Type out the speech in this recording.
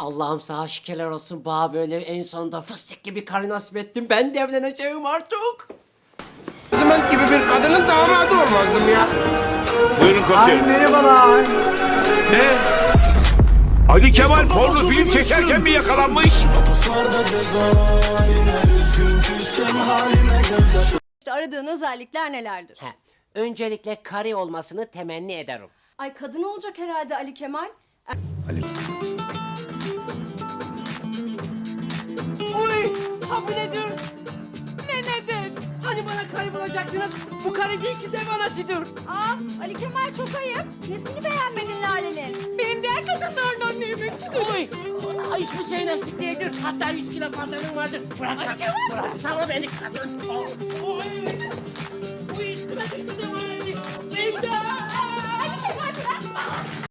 Allah'ım sana şükürler olsun. Bana böyle en sonunda fıstık gibi karı nasip ettin. Ben de evleneceğim artık. Zıment gibi bir kadının damadı olmazdım ya. Buyurun komiserim. Merhabalar. Ne? Ali Kemal porno film çekerken mi yakalanmış? İşte aradığın özellikler nelerdir? He, öncelikle karı olmasını temenni ederim. Ay kadın olacak herhalde Ali Kemal. Uy! Ha bu nedir? Ne nedir? Hani bana karı bulacaktınız? Bu karı değil ki dev anasıdır. Aa Ali Kemal çok ayıp. Nesini beğenmedin Lale'nin? Benim diğer kadınlardan neyim eksik? Uy! Hiçbir şeyin eksik değildir. Hatta 100 kilo fazlalığın vardır. Bırak, bırak. Sana beni kadın. Uy! Uy! Üstüme düştü.